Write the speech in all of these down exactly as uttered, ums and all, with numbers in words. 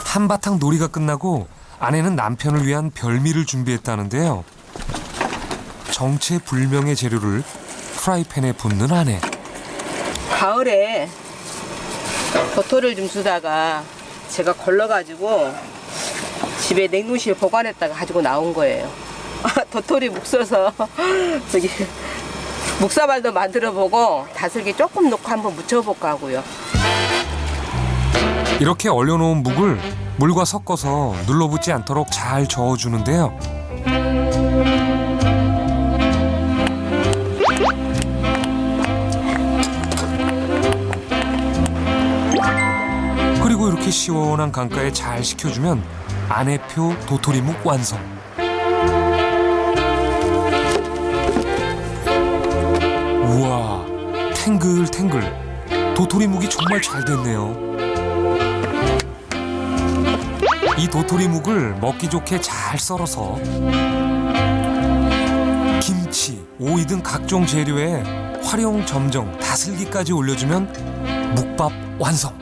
한바탕 놀이가 끝나고 아내는 남편을 위한 별미를 준비했다는데요. 정체불명의 재료를 프라이팬에 붓는 아내. 가을에 도토리를 좀 주다가 제가 걸러가지고 집에 냉동실에 보관했다가 가지고 나온 거예요. 도토리 묵 써서 저기 묵사발도 만들어보고 다슬기 조금 넣고 한번 무쳐볼까 하고요. 이렇게 얼려놓은 묵을 물과 섞어서 눌러붙지 않도록 잘 저어주는데요. 그리고 이렇게 시원한 강가에 잘 식혀주면 아내표 도토리묵 완성. 우와, 탱글탱글. 도토리묵이 정말 잘 됐네요. 이 도토리묵을 먹기 좋게 잘 썰어서 김치, 오이 등 각종 재료에 활용 점정, 다슬기까지 올려주면 묵밥 완성.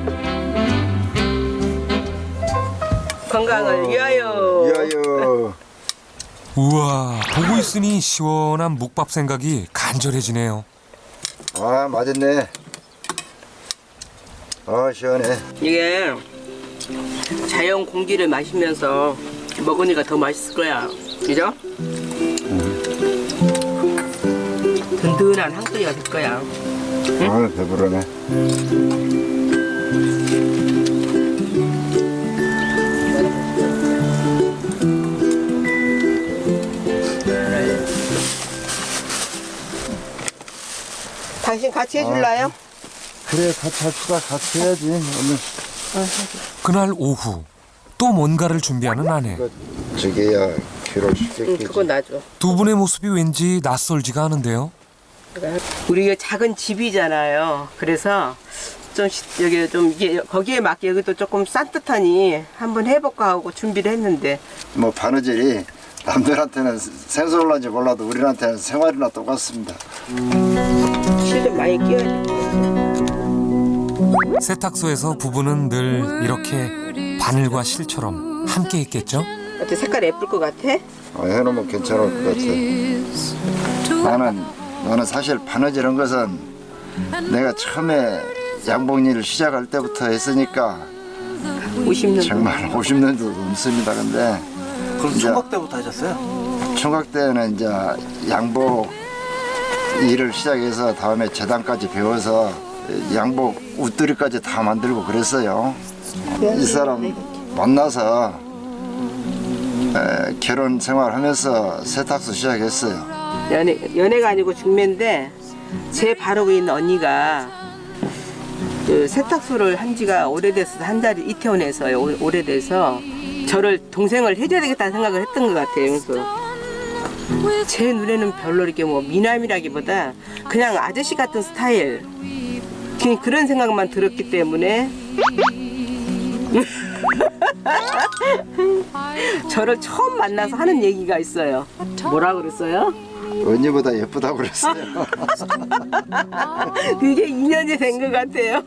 건강을 위하여. 위하여. 우와, 보고 있으니 시원한 묵밥 생각이 간절해지네요. 아, 맛있네. 아, 시원해. 이게 자연 공기를 마시면서 먹으니까 더 맛있을 거야. 그죠? 든든한 한 끼가 될 거야. 아, 배부르네. 당신 같이 해줄라요? 그래, 같이 합시다. 같이 해야지, 오늘. 그날 오후 또 뭔가를 준비하는 아내. 저게야 귀를 응, 쉽게 그거 놔줘. 두 분의 모습이 왠지 낯설지가 않은데요. 우리가 작은 집이잖아요. 그래서 좀 시- 여기 좀 이게 거기에 맞게 여기도 조금 산뜻하니 한번 해볼까 하고 준비를 했는데 뭐 바느질이 남들한테는 생소할런지 몰라도 우리한테는 생활이나 똑같습니다. 실 좀 많이 끼워야 돼. 세탁소에서 부부는 늘 이렇게 바늘과 실처럼 함께 있겠죠? 어때 색깔 예쁠 것 같아? 어, 해놓으면 괜찮을 것 같아. 나는 나는 사실 바느질 한 것은 내가 처음에 양복 일을 시작할 때부터 했으니까 오십 년 정말 오십 년도 넘습니다. 근데 그럼 이제 총각 때부터 하셨어요? 총각 때는 이제 양복 일을 시작해서 다음에 재단까지 배워서 양복 웃두리까지 다 만들고 그랬어요. 이 사람 만나서 에, 결혼 생활하면서 세탁소 시작했어요. 연애, 연애가 아니고 중매인데 제 바로 위에 있는 언니가 그 세탁소를 한 지가 오래돼서 한 자리 이태원에서요. 오- 오래돼서 저를 동생을 해줘야 되겠다는 생각을 했던 것 같아요. 그래서 제 눈에는 별로 이렇게 뭐 미남이라기보다 그냥 아저씨 같은 스타일 그냥 그런 생각만 들었기 때문에 저를 처음 만나서 하는 얘기가 있어요. 뭐라 그랬어요? 언니보다 예쁘다고 그랬어요. 그게 이 년이 된 것 같아요.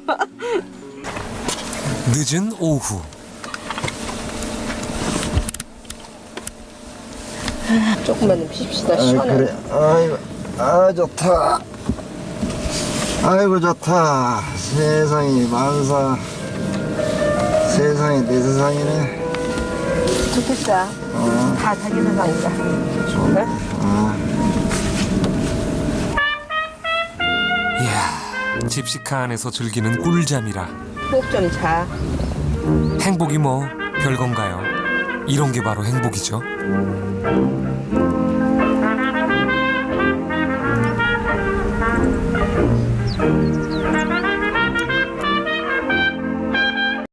늦은 오후. 조금만 좀 핍시다. 아, 시원하게. 그래. 아이고, 아 좋다. 아이고 좋다. 세상이 만사. 세상이 내 세상이네. 좋겠다. 어, 다 자기 세상이다. 좋네. 아. 이야, 집시카 안에서 즐기는 꿀잠이라 꼭 좀 자. 행복이 뭐 별건가요? 이런 게 바로 행복이죠.